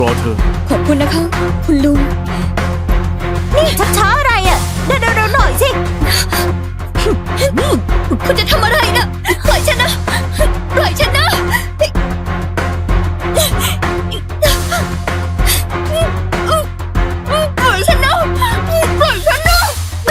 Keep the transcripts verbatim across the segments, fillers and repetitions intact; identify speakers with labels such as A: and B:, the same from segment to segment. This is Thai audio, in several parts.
A: รอเธอ
B: ขอบคุณนะคะคุณลุง
C: นี่ชักช้าอะไรอ่ะเร็วเร็วหน่อยสิ
B: คุณจะทำอะไรนะปล่อยฉันนะปล่อยฉันนะปล่อยฉันนะปล่อยฉันนะ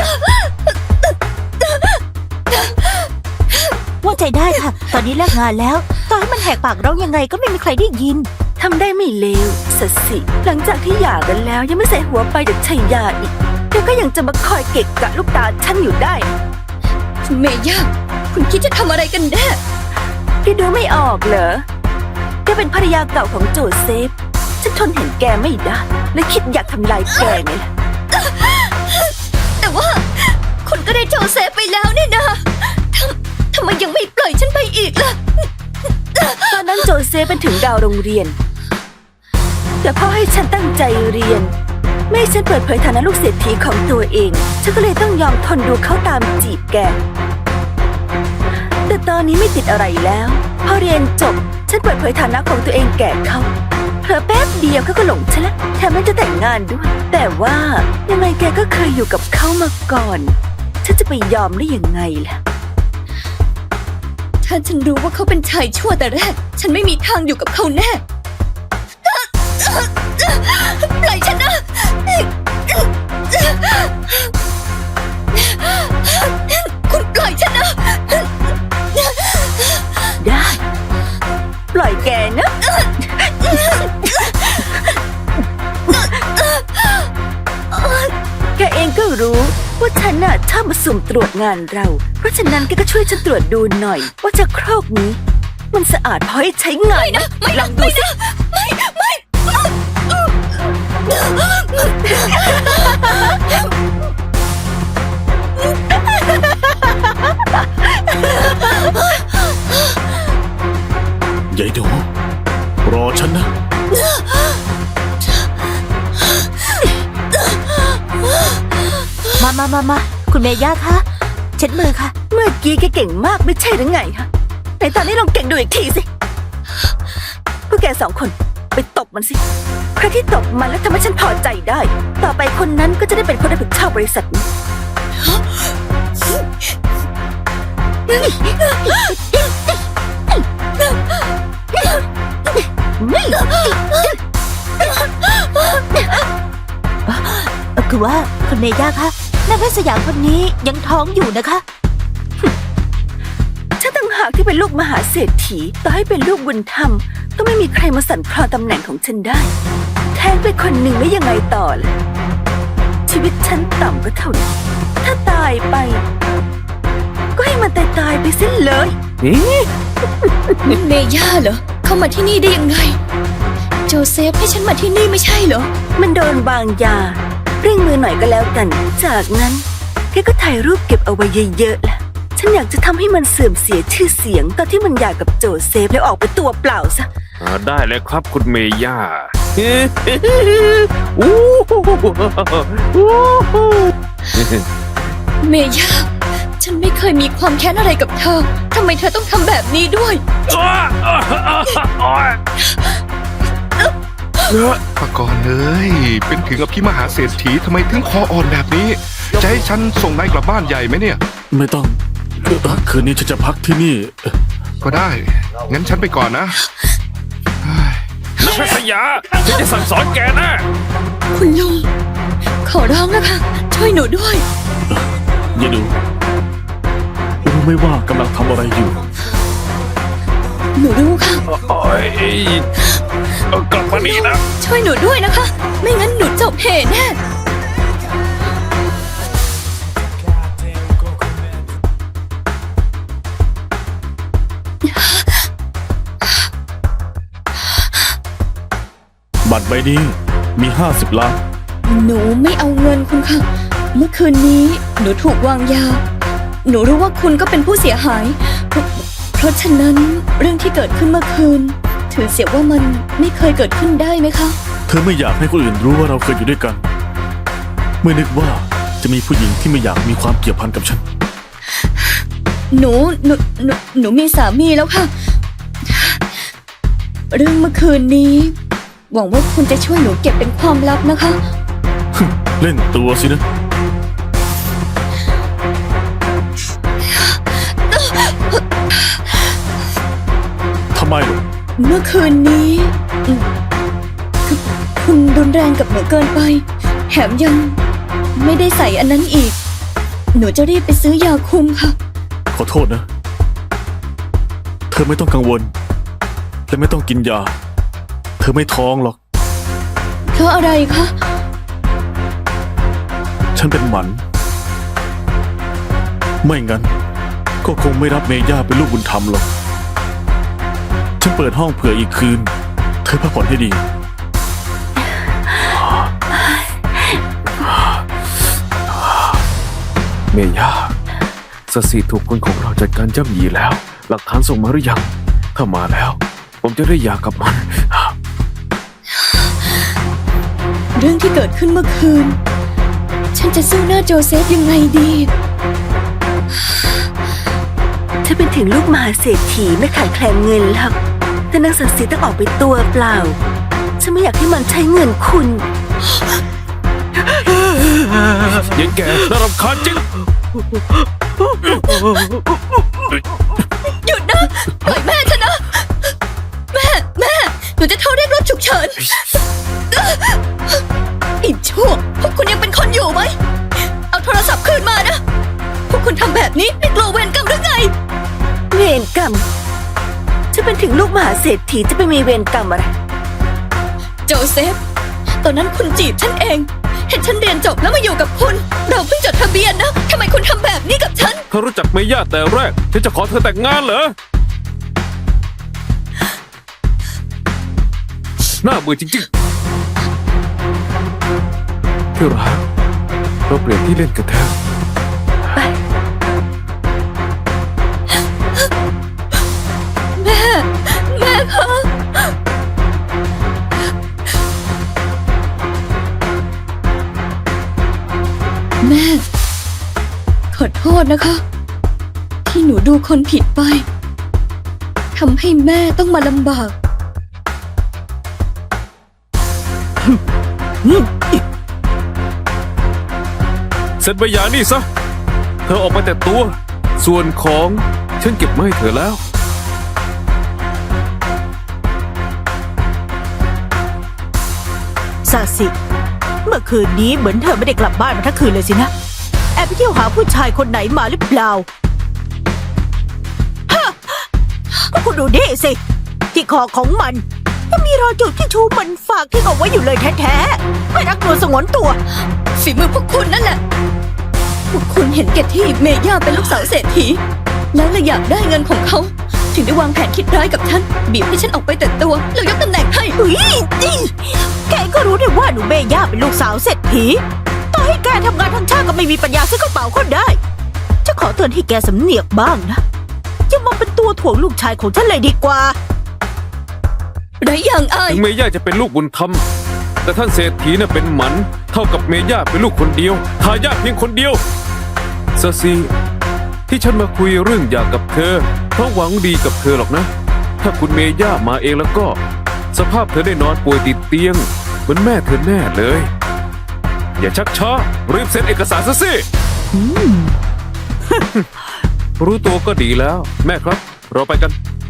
C: ว่าใจได้ค่ะตอนนี้เลิกงานแล้วต่อให้มันแหกปากร้องยังไงก็ไม่มีใครได้ยิน
D: ทำได้ไม่เลวสัสสิหลังจากที่หย่ากันแล้วยังไม่ใส่หัวไปจากชัยยาอีกเธอก็ยังจะมาคอยเกะกะลูกตาฉันอยู่ได้
B: คุณเมย่าคุณคิดจะทำอะไรกันแน่
D: แกดูไม่ออกเหรอแกเป็นภรรยาเก่าของโจเซฟฉันทนเห็นแกไม่ได้และคิดอยากทำลายแกไงล่ะ
B: แต่ว่าคุณก็ได้โจเซฟไปแล้วนี่นะทำทำไมยังไม่ปล่อยฉันไปอีกล่ะ
D: ตอนนั้นโจเซฟเป็นถึงดาวโรงเรียนแต่พ่อให้ฉันตั้งใจเรียนไม่ให้ฉันเปิดเผยฐานะลูกเศรษฐีของตัวเองฉันก็เลยต้องยอมทนดูเขาตามจีบแกแต่ตอนนี้ไม่ติดอะไรแล้วพอเรียนจบฉันเปิดเผยฐานะของตัวเองแก่เขาเผลอแป๊บเดียวเขาก็หลงฉันละแถมแม้จะแต่งงานด้วยแต่ว่ายังไงแกก็เคยอยู่กับเขามาก่อนฉันจะไปยอมได้ยังไงล่ะ
B: ถ้าฉันรู้ว่าเขาเป็นชายชั่วแต่แรกฉันไม่มีทางอยู่กับเขาแน่ปล่อยฉันนะคุณปล่อยฉันนะ
D: ได้ปล่อยแกนะแกเองก็รู้ว่าฉันน่ะชอบมาสุ่มตรวจงานเราเพราะฉะนั้นแกก็ช่วยฉันตรวจดูหน่อยว่าจะโครกนี้มันสะอาดพอให้ใช้งาน
B: นะไม่
D: ลองดูสิ
B: ไม่ไม่
A: ยายหนูรอฉันนะ
C: มามามามาคุณเมย่าคะเช็ดมือค่ะ
D: เมื่อกี้แกเก่งมากไม่ใช่หรือไงคะไหนตอนนี้ลองเก่งดูอีกทีสิพวกแกสองคนไปตบมันสิใครที่ตบมันแล้วทำให้ฉันพอใจได้ต่อไปคนนั้นก็จะได้เป็นคนรับผิดชอบบริษัทนี้
C: คือว่าคุณเมย่าคะนางแพทย์สยามคนนี้ยังท้องอยู่นะคะ
D: ฉันต่างหากที่เป็นลูกมหาเศรษฐีต่อให้เป็นลูกบุญธรรมก็ไม่มีใครมาสั่นคลอนตำแหน่งของฉันได้แทนไปคนหนึ่งไม่ยังไงต่อล่ะชีวิตฉันต่ำก็เท่านั้นถ้าตายไปก็ให้มันตายตายไปสิ้นเลย
B: นี่เมย่าเหรอเข้ามาที่นี่ได้ยังไงโจเซฟให้ฉันมาที่นี่ไม่ใช่เหรอ
D: มันโดนบางยาเร่งมือหน่อยก็แล้วกันจากนั้นแกก็ถ่ายรูปเก็บเอาไว้เยอะๆล่ะฉันอยากจะทำให้มันเสื่อมเสียชื่อเสียงตอนที่มันหย่ากับโจเซฟแล้วออกไปตัวเปล่าซะ
A: ได้เลยครับคุณเมย่า
B: เมย่าฉันไม่เคยมีความแค้นอะไรกับเธอทำไมเธอต้องทำแบบนี้ด้วย
E: ปากรณ์เอ้ยเป็นถึงอภิมหาเศรษฐีทำไมถึงคออ่อนแบบนี้จะให้ฉันส่งนายกลับบ้านใหญ่ไหมเนี่ย
A: ไม่ต้องคืนนี้ฉันจะพักที่นี่
E: ก็ได้งั้นฉันไปก่อนนะ
A: นักแพทย์สยาฉันจะสั่งสอนแกนะ
B: คุณลุงขอร้องนะคะช่วยหนูด้วย
A: อย่าดูรู้ไม่ว่ากำลังทำอะไรอยู่
B: หนูรู้ค่ะ
A: โอ้ยกลับมานี่นะ
B: ช่วยหนูด้วยนะคะไม่งั้นหนูจบเหตุแน่
A: บัตรใบนี้มีห้าสิบล้าน
B: หนูไม่เอาเงินคุณค่ะเมื่อคืนนี้หนูถูกวางยาหนูรู้ว่าคุณก็เป็นผู้เสียหายเพราะฉะนั้นเรื่องที่เกิดขึ้นเมื่อคืนถือเสียว่ามันไม่เคยเกิดขึ้นได้ไหมคะ
A: เธอไม่อยากให้คนอื่นรู้ว่าเราเคยอยู่ด้วยกันไม่นึกว่าจะมีผู้หญิงที่ไม่อยากมีความเกี่ยวพันกับฉัน
B: หนูหนูหนูหนูมีสามีแล้วค่ะเรื่องเมื่อคืนนี้หวังว่าคุณจะช่วยหนูเก็บเป็นความลับนะคะ
A: เล่นตัวสินะ ทำไมล่ะ
B: เมื่อคืนนี้อืมคือคุณรุนแรงกับหนูเกินไป แถมยังไม่ได้ใส่อันนั้นอีก หนูจะรีบไปซื้อยาคุมค่ะ
A: ขอโทษนะ เธอไม่ต้องกังวล และไม่ต้องกินยา เธอไม่ท้องหรอก
B: เพราะอะไรคะ
A: ฉันเป็นหมัน ไม่งั้น ก็คงไม่รับเมย่าเป็นลูกบุญธรรมหรอก ฉันเปิดห้องเผื่ออีกคืน เธอพักผ่อนให้ดี
F: เมย่าสสีถูกคนของเราจัดการย่ำยีแล้ว หลักฐานส่งมาหรือยัง ถ้ามาแล้ว ผมจะได้หย่ากับมัน
B: เรื่องที่เกิดขึ้นเมื่อคืน ฉันจะสู้หน้าโจเซฟยังไงดี
D: ถ้าเป็นถึงลูกมหาเศรษฐีไม่ขาดแคลนเงินหรอกแต่นางสันสีต้องออกไปตัวเปล่า ฉันไม่อยากให้มันใช้เงินคุณ
F: เย็นแก่น่ารำคาญจริง
B: หยุดนะ ปล่อยแม่ฉันนะ แม่ แม่ หนูจะโทรเรียกรถฉุกเฉินอีกชั่วพวกคุณยังเป็นคนอยู่ไหม เอาโทรศัพท์คืนมานะ พวกคุณทำแบบนี้ไม่กลัวเวรกรรมหรือไง
D: เวรกรรมฉันเป็นถึงลูกมหาเศรษฐีจะไปมีเวรกรรมอะไร
B: โจเซฟ ตอนนั้นคุณจีบฉันเอง เห็นฉันเรียนจบแล้วมาอยู่กับคุณ เราเพิ่งจดทะเบียนนะ ทำไมคุณทำแบบนี้กับฉัน
F: ถ้ารู้จักเมย่าแต่แรก ฉันจะขอเธอแต่งงานเหรอ น่าเบื่อจริงๆที่รักเราเปลี่ยนที่เล่นกันเถอะ
D: ไป
B: แม่ แม่คะ แม่ ขอโทษนะคะ ที่หนูดูคนผิดไปทำให้แม่ต้องมาลำบาก
F: เซ็นใบหย่านี่ซะ เธอออกไปแต่ตัว ส่วนของฉันเก็บมาให้เธอแล้ว
C: ซาสิ เมื่อคืนนี้เหมือนเธอไม่ได้กลับบ้านมาทั้งคืนเลยสินะ แอบไปเที่ยวหาผู้ชายคนไหนมาหรือเปล่าฮะก็คุณดูนี่สิ ที่คอของมันยังมีรอยจุดที่ชูมันฝากที่เอาไว้อยู่เลยแท้ๆ ไม่รักตัวสงวนตัว
B: ฝีมือพวกคุณนั่นแหละ พวกคุณเห็นแก่ที่เมย่าเป็นลูกสาวเศรษฐี แล้วเลยอยากได้เงินของเขา ถึงได้วางแผนคิดร้ายกับฉัน บีบให้ฉันออกไปแต่ตัวแล้วยกตำแหน่งให้
C: เฮ้ยนี่แกก็รู้ได้ว่าหนูเมย่าเป็นลูกสาวเศรษฐีต่อให้แกทำงานทั้งชาติก็ไม่มีปัญญาซื้อกระเป๋าก็ได้ จะขอเตือนให้แกสำเนียกบ้างนะอย่ามาเป็นตัวถ่วงลูกชายของฉันเลยดีกว่า
B: ไรอย่างอาย
F: ถึงเมย่าจะเป็นลูกบุญธรรม แต่ท่านเศรษฐีน่ะเป็นหมัน เท่ากับเมย่าเป็นลูกคนเดียว ทายาทเพียงคนเดียวซาซีที่ฉันมาคุยเรื่องอยากกับเธอ เพราะหวังดีกับเธอหรอกนะ ถ้าคุณเมย่ามาเองแล้วก็ สภาพเธอได้นอนป่วยติดเตียง เหมือนแม่เธอแน่เลย อย่าชักช้ารีบเซ็นเอกสารซะสิ รู้ตัวก็ดีแล้ว แม่ครับ เราไปกัน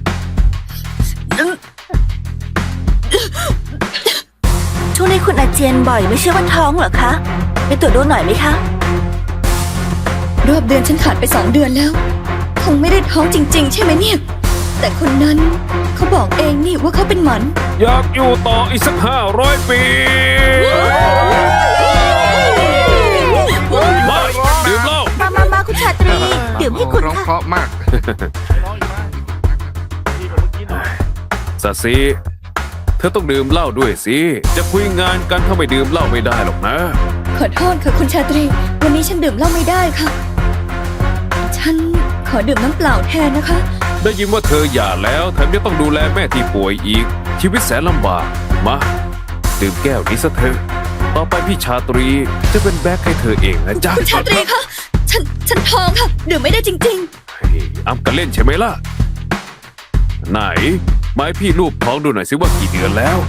D: ช่วงนี้คุณอาเจียนบ่อยไม่ใช่ว่าท้องเหรอคะ ไปตรวจดูหน่อยไหมคะ
B: รอบเดือนฉันขาดไปสองเดือนแล้ว คงไม่ได้ท้องจริง ๆ ใช่ไหมเนี่ย แต่คนนั้นเขาบอกเองนี่ว่าเขาเป็นหมัน
F: อยากอยู่ต่ออีกสักห้าร้อยปี มาดื่มเหล้า
C: มามามาคุณชาตรีดื่มให้คุณ
E: ร้อง
C: ค่ะ
E: เพราะมาก
F: สาซีเธอต้องดื่มเหล้าด้วยสิ จะคุยงานกันถ้าไม่ดื่มเหล้าไม่ได้หรอกนะ
B: ขอโทษค่ะคุณชาตรี วันนี้ฉันดื่มเหล้าไม่ได้ค่ะ ฉันขอดื่มน้ำเปล่าแทนนะคะ
F: ได้ยินว่าเธอหย่าแล้วแถมยังต้องดูแลแม่ที่ป่วยอีก ชีวิตแสนลำบาก มาดื่มแก้วนี้ซะเถอะ ต่อไปพี่ชาตรีจะเป็นแบ็คให้เธอเองนะจ๊ะ
B: คุณชาตรีคะฉันฉันท้องค่ะ ดื่มไม่ได้จริง
F: เฮ้ยอ้ำกันเล่นใช่ไหมล่ะ ไหนมาให้พี่รูปท้องดูหน่อยสิว่ากี่เดือนแล้ว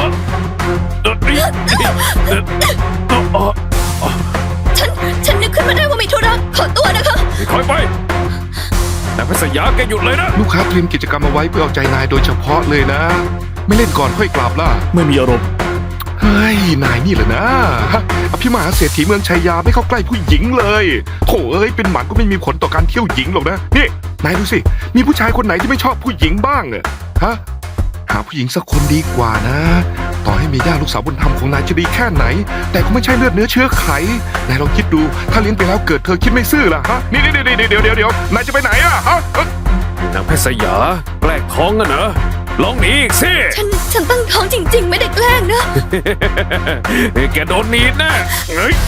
B: ฉัน ฉันนึกขึ้นมาได้ว่ามีธุระขอตัวนะคะ
F: คอยไปนางเพชรสยาแกหยุดเลยนะ
E: ลูกค้าเตรียมกิจกรรมเอาไว้เพื่อเอาใจนายโดยเฉพาะเลยนะ ไม่เล่นก่อนค่อยกลับล่ะ
A: ไม่มีอารมณ์
E: เฮ้ย นายนี่แหละนะฮะอภิมหาเศรษฐีเมืองชัยยาไม่เข้าใกล้ผู้หญิงเลยโถเอ้ยเป็นหมันก็ไม่มีผลต่อการเที่ยวหญิงหรอกนะนี่นายดูสิมีผู้ชายคนไหนที่ไม่ชอบผู้หญิงบ้างอะฮะหาผู้หญิงสักคนดีกว่านะ ต่อให้มีย่าลูกสาวบุญธรรมของนายจะดีแค่ไหน แต่ก็ไม่ใช่เลือดเนื้อเชื้อไขนายลองคิดดูถ้าเลี้ยงไปแล้วเกิดเธอคิดไม่ซื่อล่ะฮะนี่เดี๋ยวเดี๋ยวเดี๋ยวเดี๋ยวเดี๋ยวนายจะไปไหนอะฮะ
F: นางเพชรสยาแกล้งท้องกันเหรอลองหนีอีกสิ
B: ฉัน ฉันตั้งท้องจริง ๆ ไม่ได้แกล้งนะ
F: แกโดนหนีดแน่เฮ้ย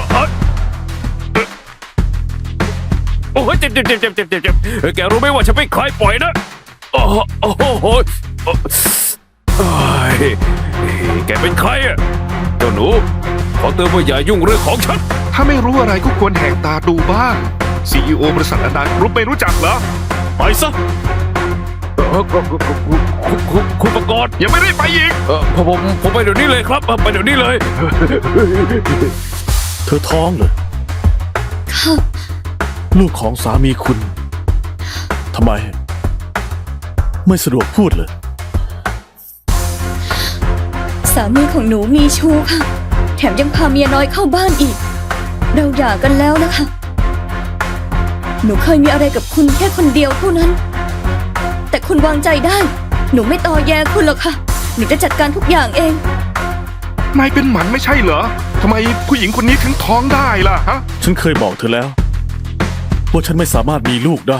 F: โอ้ยเจ็บเจ็บเจ็บเจ็บเจ็บเจ็บเจ็บแกรู้ไหมว่าฉันไม่คลายปล่อยนะโอ้โหโอ้โหโอ้ยแกเป็นใครอะเจ้าหนูขอเตือนว่าอย่ายุ่งเรื่องของฉัน
E: ถ้าไม่รู้อะไรก็ควรแหกตาดูบ้าง ซี อี โอ บริษัทอนันต์รู้ไม่รู้จักเหรอ
A: ไปซะ
F: เอ่อคุณคุณคุณคุณประกอบ
E: ยังไม่ได้ไปอีก
F: เออผมผมผมไปเดี๋ยวนี้เลยครับไปเดี๋ยวนี้เลย
A: เธอท้องเหรอ
B: ค่ะ
A: ลูกของสามีคุณทำไม ไม่สะดวกพูดเลย
B: สามีของหนูมีชู้ค่ะ แถมยังพาเมียน้อยเข้าบ้านอีก เราหย่ากันแล้วนะคะ หนูเคยมีอะไรกับคุณแค่คนเดียวเท่านั้น แต่คุณวางใจได้ หนูไม่ตอแยคุณหรอกค่ะ หนูจะจัดการทุกอย่างเอง
E: นายเป็นหมันไม่ใช่เหรอทำไมผู้หญิงคนนี้ถึงท้องได้ล่ะฮะ
A: ฉันเคยบอกเธอแล้ว ว่าฉันไม่สามารถมีลูกได้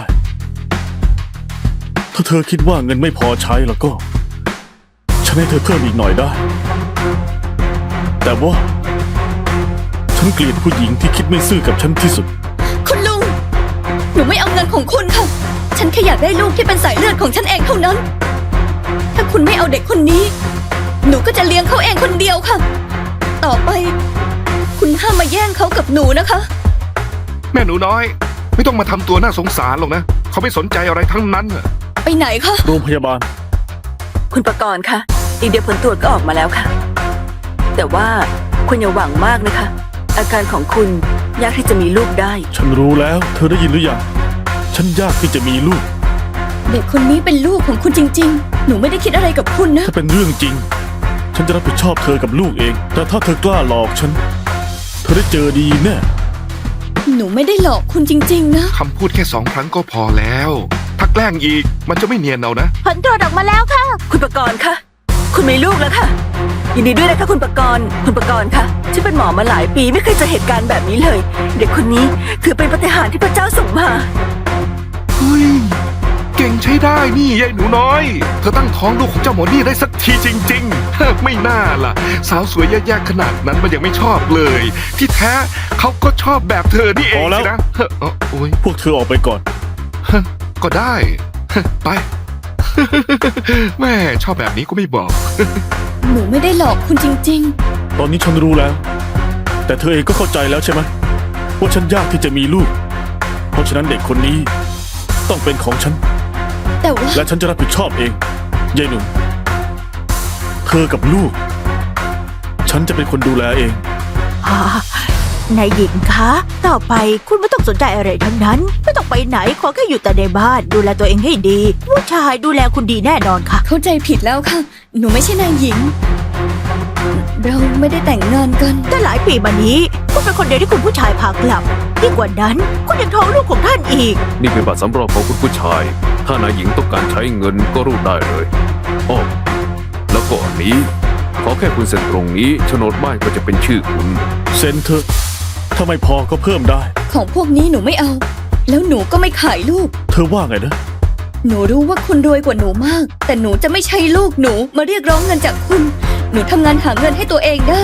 A: ถ้าเธอคิดว่าเงินไม่พอใช้แล้วก็ ฉันให้เธอเพิ่มอีกหน่อยได้ แต่ว่า ฉันเกลียดผู้หญิงที่คิดไม่ซื่อกับฉันที่สุด
B: คุณลุง หนูไม่เอาเงินของคุณค่ะ ฉันแค่อยากได้ลูกที่เป็นสายเลือดของฉันเองเท่านั้น ถ้าคุณไม่เอาเด็กคนนี้ หนูก็จะเลี้ยงเขาเองคนเดียวค่ะ ต่อไป คุณห้ามมาแย่งเขากับหนูนะคะ
E: แม่หนูน้อย ไม่ต้องมาทำตัวน่าสงสารหรอกนะ เขาไม่สนใจอะไรทั้งนั้นน่ะ
B: ไปไหนคะ
A: โรงพยาบาล
D: คุณประกรณ์คะอีกเดียวผลตรวจก็ออกมาแล้วค่ะ แต่ว่าคุณอย่าหวังมากนะคะ อาการของคุณยากที่จะมีลูกได้
A: ฉันรู้แล้ว เธอได้ยินหรือยัง ฉันยากที่จะมีลูก
B: เด็กคนนี้เป็นลูกของคุณจริง ๆ หนูไม่ได้คิดอะไรกับคุณนะ
A: ถ้าเป็นเรื่องจริง ฉันจะรับผิดชอบเธอกับลูกเอง แต่ถ้าเธอกล้าหลอกฉัน เธอได้เจอดีแน่
B: หนูไม่ได้หลอกคุณจริง ๆ นะ
E: คำพูดแค่สองครั้งก็พอแล้ว ถ้าแกล้งอีกมันจะไม่เนียนเอานะ
C: ผลตรวจออกมาแล้วค่ะ
D: คุณประกรณ์คะคุณมีลูกแล้วค่ะยินดีด้วยนะคะคุณประกรณ์คุณประกรณ์คะฉันเป็นหมอมาหลายปีไม่เคยเจอเหตุการณ์แบบนี้เลย เด็กคนนี้ถือเป็นปาฏิหาริย์ที่พระเจ้าส่งมา
E: เฮ้ย เก่งใช้ได้นี่ยายหนูน้อย เธอตั้งท้องลูกของเจ้าหมอนี่ได้สักทีจริงๆ ไม่น่าล่ะ สาวสวยแย่ๆขนาดนั้นมันยังไม่ชอบเลย ที่แท้เขาก็ชอบแบบเธอนี่เอง
A: พอแล้ว
E: สินะเฮ้อเอ้อโอ้ย
A: พวกเธอออกไปก่อน
E: ก็ได้ ไป แม่ชอบแบบนี้ก็ไม่บอก
B: หนูไม่ได้หลอกคุณจริง
A: ตอนนี้ฉันรู้แล้ว แต่เธอเองก็เข้าใจแล้วใช่ไหมว่าฉันยากที่จะมีลูก เพราะฉะนั้นเด็กคนนี้ ต้องเป็นของฉัน
B: ๆ แต่ว่า
A: และฉันจะรับผิดชอบเองยายหนุ่มเธอกับลูก ฉันจะเป็นคนดูแลเอง
C: อ่านายหญิงคะ ต่อไปคุณไม่ต้องสนใจอะไรทั้งนั้น ไม่ต้องไปไหนขอแค่อยู่แต่ในบ้านดูแลตัวเองให้ดีผู้ชายดูแลคุณดีแน่นอนค่ะ
B: เข้าใจผิดแล้วค่ะ หนูไม่ใช่นายหญิง เราไม่ได้แต่งงานกัน
C: แต่หลายปีมานี้คุณเป็นคนเดียวที่คุณผู้ชายพากลับยิ่งกว่านั้นคุณยังท้องลูกของท่านอีก
F: นี่เป็นบัตรสำรองของคุณผู้ชาย ถ้านายหญิงต้องการใช้เงินก็รูดได้เลยอ้อแล้วก็อันนี้ ขอแค่คุณเซ็นตรงนี้โฉนดบ้านก็จะเป็นชื่อคุณ
A: เซ็นเถอะถ้าไม่พอก็เพิ่มได้
B: ของพวกนี้หนูไม่เอา แล้วหนูก็ไม่ขายลูก
A: เธอว่าไงนะ
B: หนูรู้ว่าคุณรวยกว่าหนูมาก แต่หนูจะไม่ใช่ลูกหนูมาเรียกร้องเงินจากคุณ หนูทำงานหาเงินให้ตัวเองได้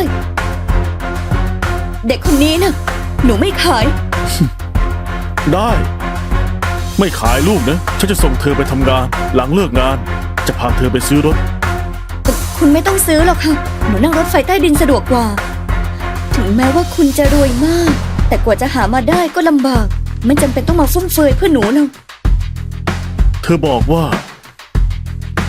B: เด็กคนนี้น่ะ หนูไม่ขาย
A: ได้ ไม่ขายลูกนะ ฉันจะส่งเธอไปทำงาน หลังเลิกงาน จะพาเธอไปซื้อรถ
B: แต่คุณไม่ต้องซื้อหรอกค่ะ หนูนั่งรถไฟใต้ดินสะดวกกว่า ถึงแม้ว่าคุณจะรวยมาก แต่กว่าจะหามาได้ก็ลำบาก ไม่จำเป็นต้องมาฟุ่มเฟือยเพื่อหนูหรอก
A: เธอบอกว่า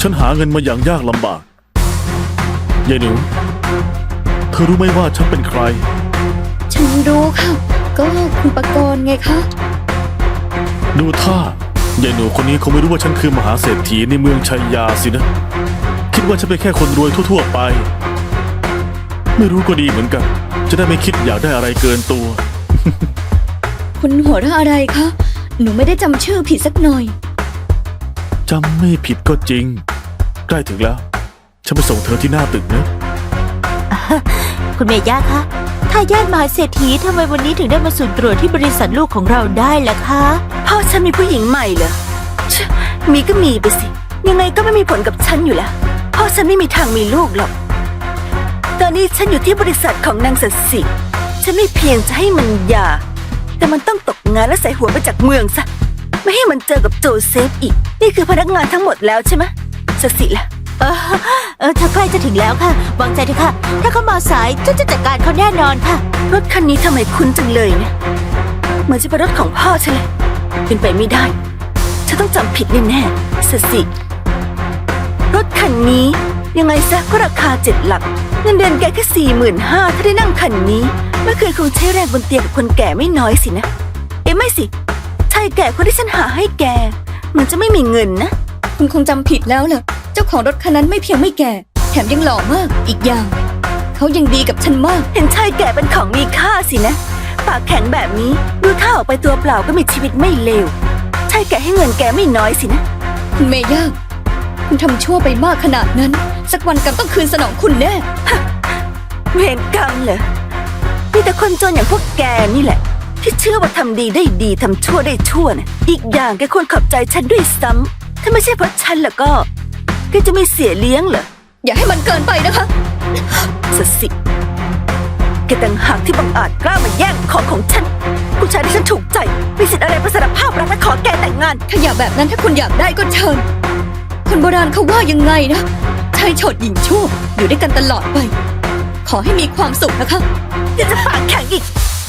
A: ฉันหาเงินมาอย่างยากลำบากยายหนูเธอรู้ไหมว่าฉันเป็นใคร
B: ฉันรู้ค่ะ ก็คุณปกรณ์ไงคะ
A: ดูท่ายายหนูคนนี้คงไม่รู้ว่าฉันคือมหาเศรษฐีในเมืองชัยยาสินะ คิดว่าฉันเป็นแค่คนรวยทั่วๆไป ไม่รู้ก็ดีเหมือนกัน จะได้ไม่คิดอยากได้อะไรเกินตัว
B: คุณหัวเราะอะไรคะ หนูไม่ได้จำชื่อผิดสักหน่อย
A: จำไม่ผิดก็จริง ใกล้ถึงแล้ว ฉันไปส่งเธอที่หน้าตึกนะ
C: คุณเมย่าคะทายาทมหาเศรษฐีทำไมวันนี้ถึงได้มาสุ่มตรวจที่บริษัทลูกของเราได้ล่ะคะ
D: พ่อฉันมีผู้หญิงใหม่เหรอชะมีก็มีไปสิ ยังไงก็ไม่มีผลกับฉันอยู่แล้วพ่อฉันไม่มีทางมีลูกหรอก ตอนนี้ฉันอยู่ที่บริษัทของนางสัตย์สิฉันไม่เพียงจะให้มันหย่า แต่มันต้องตกงานและใส่หัวไปจากเมืองซะ ไม่ให้มันเจอกับโจเซฟอีก นี่คือพนักงานทั้งหมดแล้วใช่ไหมสัตย์สิล่ะ
C: เออเออเธอใกล้จะถึงแล้วค่ะ วางใจเถอะค่ะ ถ้าเขามาสายฉันจะจัดการเขาแน่นอนค่ะ
D: รถคันนี้ทำไมคุ้นจังเลยเนี่ยเหมือนจะเป็นรถของพ่อฉันเลยเป็นไปไม่ได้ ฉันต้องจำผิดแน่ๆสัตย์สิรถคันนี้ยังไงซะก็ราคาเจ็ดหลักเงินเดือนแกแค่สี่หมื่นห้าถ้าได้นั่งคันนี้เมื่อคืนคงใช้แรงบนเตียงกับคนแก่ไม่น้อยสินะ เอ๊ะไม่สิชายแก่คนที่ฉันหาให้แกเหมือนจะไม่มีเงินนะ
B: คุณคงจำผิดแล้วล่ะ เจ้าของรถคันนั้นไม่เพียงไม่แก่ แถมยังหล่อมาก อีกอย่าง เขายังดีกับฉันมาก
D: เห็นชายแก่เป็นของมีค่าสินะ ปากแข็งแบบนี้ดูท่าออกไปตัวเปล่าก็มีชีวิตไม่เลวชายแก่ให้เงินแกไม่น้อยสินะ
B: คุณเมย่า คุณทำชั่วไปมากขนาดนั้น สักวันกรรมต้องคืนสนองคุณแน่
D: เวรกรรมเหรอมีแต่คนจนอย่างพวกแกนี่แหละ ที่เชื่อว่าทำดีได้ดีทำชั่วได้ชั่วนะอีกอย่างแกควรขอบใจฉันด้วยซ้ำถ้าไม่ใช่เพราะฉันแล้วก็แกจะไม่เสียเลี้ยงเหรอ
B: อย่าให้มันเกินไปนะคะ
D: สัตย์สิแกต่างหากที่บังอาจกล้ามาแย่งของของฉันผู้ชายที่ฉันถูกใจมีสิทธิ์อะไรมาสารภาพรักและขอแกแต่งงาน
B: ถ้าอยากแบบนั้นถ้าคุณอยากได้ก็เชิญ คนโบราณเขาว่ายังไงนะชายโฉดหญิงชั่วอยู่ด้วยกันตลอดไป ขอให้มีความสุขนะคะ
D: ยังจะปากแข็งอีก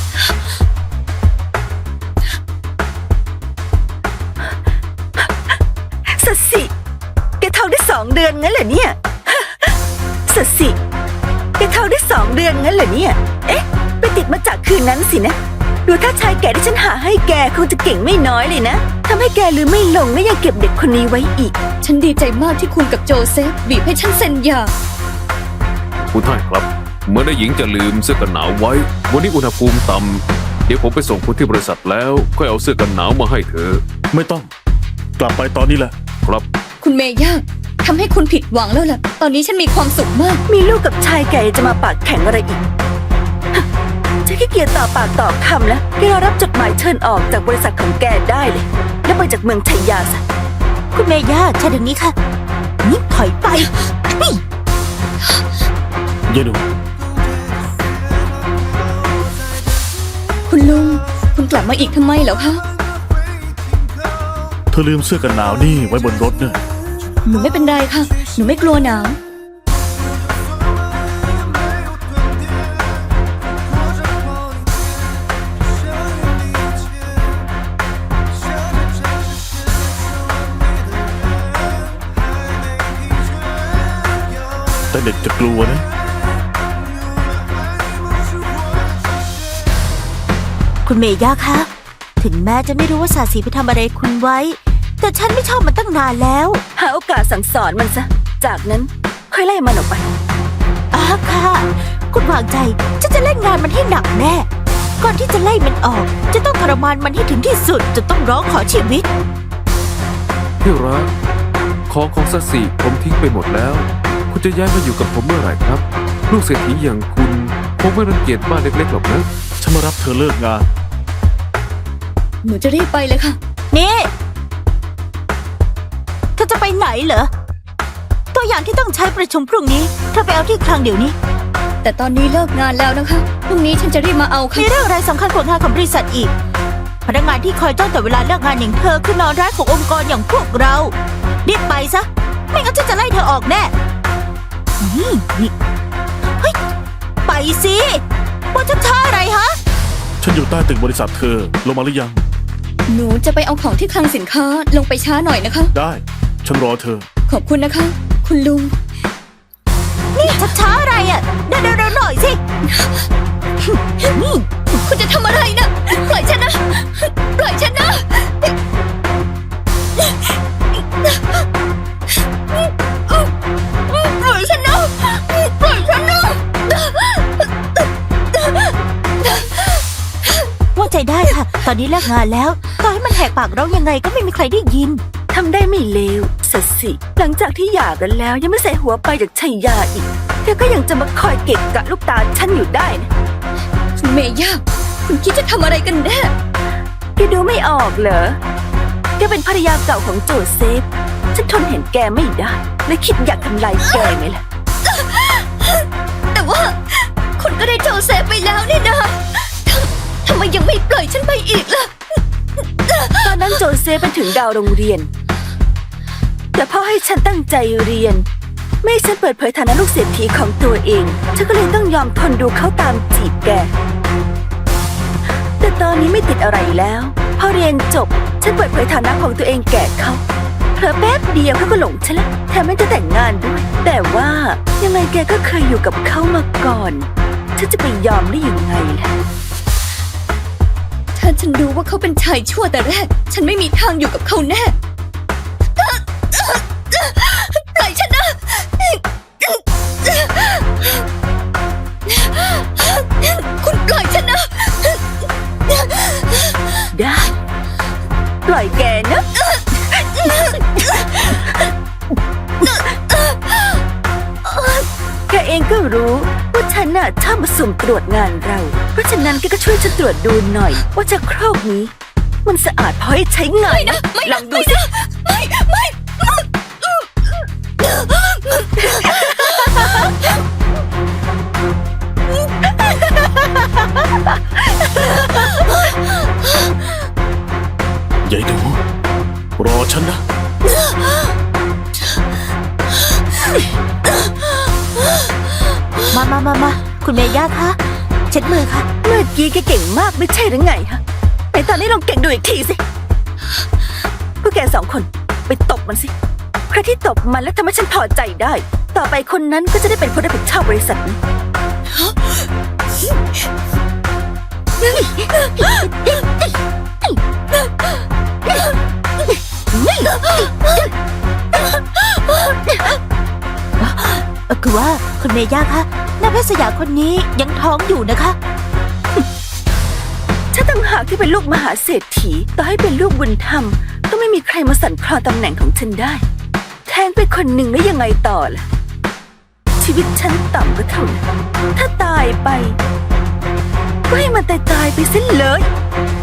D: สัตย์สิแกท้องได้สองเดือนงั้นเหรอเนี่ยสัตย์สิแกท้องได้สองเดือนงั้นเหรอเนี่ย เอ๊ะ ไปติดมาจากคืนนั้นสินะ ดูถ้าชายแก่ที่ฉันหาให้แกคงจะเก่งไม่น้อยเลยนะทำให้แกลืมไม่ลงและยังเก็บเด็กคนนี้ไว้อีก
B: ฉันดีใจมากที่คุณกับโจเซฟบีบให้ฉันเซ็นหย่า
F: คุณท่านครับ เมื่อได้หญิงจะลืมเสื้อกันหนาวไว้ วันนี้อุณหภูมิต่ำเดี๋ยวผมไปส่งคุณที่บริษัทแล้วค่อยเอาเสื้อกันหนาวมาให้เธอ
A: ไม่ต้อง กลับไปตอนนี้แหละ
F: ครับ
B: คุณเมย่าทำให้คุณผิดหวังแล้วล่ะ ตอนนี้ฉันมีความสุขมาก
D: มีลูกกับชายแก่จะมาปากแข็งอะไรอีกฮะฉันขี้เกียจต่อปากต่อคำแล้วแกรอรับจดหมายเชิญออกจากบริษัทของแกได้เลย แล้วไปจากเมืองชัยยาซะ
C: คุณเมย่าใช่ดังนี้ค่ะ นี่ถอยไปนี่
A: ยายหนู
B: คุณลุง คุณกลับมาอีกทำไมเหรอคะ
A: เธอลืมเสื้อกันหนาวนี่ไว้บนรถเนะ
B: หนูไม่เป็นไรค่ะ หนูไม่กลัวหนาว
A: แต่เด็กจะกลัวนะ
C: คุณเมย่าคะ ถึงแม้จะไม่รู้ว่าสาสีไปทำอะไรคุณไว้ แต่ฉันไม่ชอบมันตั้งนานแล้ว
D: หาโอกาสสั่งสอนมันซะ จากนั้นค่อยไล่มันออกไป
C: อ้าค่ะ คุณวางใจฉันจะเล่นงานมันให้หนักแน่ ก่อนที่จะไล่มันออก จะต้องทรมานมันให้ถึงที่สุดจะต้องร้องขอชีวิต
F: ที่รักของของสัตย์สิผมทิ้งไปหมดแล้ว คุณจะย้ายมาอยู่กับผมเมื่อไหร่ครับ ลูกเศรษฐีอย่างคุณคงไม่รังเกียจบ้านเล็กๆหรอกนะ
A: ฉันมารับเธอเลิกงาน
B: หนูจะรีบไปเลยค่ะ
C: นี่เธอจะไปไหนเหรอ ตัวอย่างที่ต้องใช้ประชุมพรุ่งนี้เธอไปเอาที่คลังเดี๋ยวนี้
B: แต่ตอนนี้เลิกงานแล้วนะคะ พรุ่งนี้ฉันจะรีบมาเอาค่ะ
C: มีเรื่องอะไรสำคัญกว่างานของบริษัทอีก พนักงานที่คอยจ้องแต่เวลาเลิกงานอย่างเธอคือนอนร้ายขององค์กรอย่างพวกเรารีบไปซะ ไม่งั้นฉันจะไล่เธอออกแน่นี่นี่เฮ้ยไปสิว่าจะช้าอะไรฮะ
A: ฉันอยู่ใต้ตึกบริษัทเธอ ลงมาหรือยัง
B: หนูจะไปเอาของที่คลังสินค้าลงไปช้าหน่อยนะคะ
A: ได้ ฉันรอเธอ
B: ขขอบคุณนะคะ คุณลุง
C: นี่ช้าๆอะไรอ่ะเร็วๆๆหน่อยสิ นี่
B: คุณจะทำอะไรนะปล่อยฉันนะปล่อยฉันนะปล่อยฉันนะปล่อยฉันนะ
C: ว่าใจได้ค่ะ ตอนนี้เลิกงานแล้วต่อให้มันแหกปากร้องยังไงก็ไม่มีใครได้ยิน
D: ทำได้ไม่เลวสัสสิหลังจากที่หย่ากันแล้วยังไม่ใส่หัวไปจากชัยยาอีกเธอก็ยังจะมาคอยเก็บกะลูกตาฉันอยู่ได้นะ
B: คุณเมย่าคุณคิดจะทำอะไรกันแน่
D: แกดูไม่ออกเหรอแกเป็นภรรยาเก่าของโจเซฟฉันทนเห็นแกไม่ได้เลยคิดอยากทำลายแกไหมล่ะ
B: แต่ว่าคุณก็ได้โจเซฟไปแล้วนี่นะทำทำไมยังไม่ปล่อยฉันไปอีกล่ะ
D: ตอนนั้นโจเซฟเป็นถึงดาวโรงเรียน แต่พ่อให้ฉันตั้งใจเรียน ไม่ให้ฉันเปิดเผยฐานะลูกเศรษฐีของตัวเอง ฉันก็เลยต้องยอมทนดูเขาตามจีบแก แต่ตอนนี้ไม่ติดอะไรแล้ว พอเรียนจบ ฉันเปิดเผยฐานะของตัวเองแก่เขาเผลอแป๊บเดียวเขาก็หลงฉันแล้วแถมไม่จะแต่งงานด้วย แต่ว่ายังไงแกก็เคยอยู่กับเขามาก่อน ฉันจะไปยอมได้ยังไงล่ะ
B: ถ้าฉันรู้ว่าเขาเป็นชายชั่วแต่แรก ฉันไม่มีทางอยู่กับเขาแน่ ปล่อยฉันนะ คุณปล่อยฉันนะ
D: ได้ ปล่อยแกนะ แกเองก็รู้ว่าฉันน่ะชอบมาสุ่มตรวจงานเรา เพราะฉะนั้นแกก็ช่วยฉันตรวจดูหน่อย ว่าชักโครกนี้ มันสะอาดพอให้ใช้งานนะ
B: ไม่
D: ล
B: นะ
D: องดู
B: ไม่
D: สิ
B: นะไม่ไม่
A: ยายหนูรอฉันนะ
C: มามามามาคุณเมย่าคะเช็ดมือค่ะ
D: เมื่อกี้แกเก่งมากไม่ใช่หรือไงฮะไหนตอนนี้ลองเก่งดูอีกทีสิพวกแกสองคนไปตบมันสิ ใครที่ตบมันแล้วทำให้ฉันพอใจได้ ต่อไปคนนั้นก็จะได้เป็นผู้รับผิดชอบบริษัทนี้
C: เอ่อคือว่าคุณเมย่าคะนางแพทย์สยามคนนี้ยังท้องอยู่นะคะ
D: ฉันต่างหากที่เป็นลูกมหาเศรษฐีต่อให้เป็นลูกบุญธรรมก็ไม่มีใครมาสั่นคลอนตำแหน่งของฉันได้ แทงไปคนหนึ่งแล้วยังไงต่อล่ะ ชีวิตฉันต่ำก็เท่านั้นถ้าตายไปก็ให้มันตายตายๆไปสิ้นเลย